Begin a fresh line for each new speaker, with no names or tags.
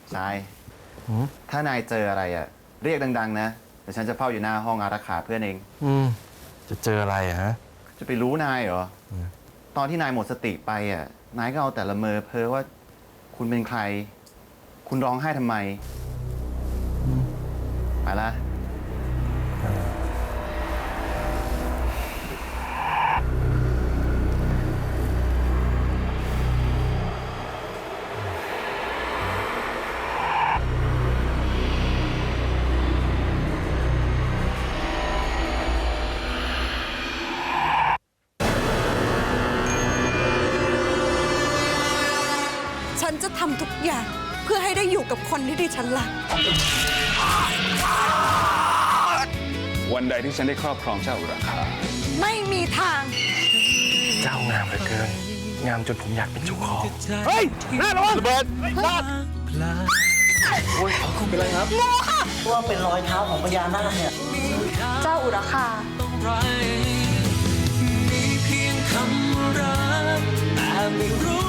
ชายถ้านายเจออะไรอ่ะเรียกดังๆนะเดี๋ยวฉันจะเฝ้าอยู่หน้าห้องอารักขาเพื่อนเอง
จะเจออะไรฮะ
จะไปรู้นายเหรอตอนที่นายหมดสติไปอ่ะนายก็เอาแต่ละเมอเพ้อว่าคุณเป็นใครคุณร้องไห้ทำไมไปละ
ฉันจะทำทุกอย่างเพื่อให้ได้อยู่กับคนที่ดิฉันรัก
วันใดที่ฉันได้ครอบครองเจ้าอุราคา
ไม่มีทาง
เจ้างามเหลือเกินงามจนผมอยากเป็นเจ้าของเฮ้ยหน้าระวังระเบิดลาดโอ้ยคุณเป็นไรครับ
งูค่ะ
ว่าเป็นรอยเท้าของพญานาคเนี่ย
เจ้าอุราคา
มีเพียงคำรักแต่ไม่รู้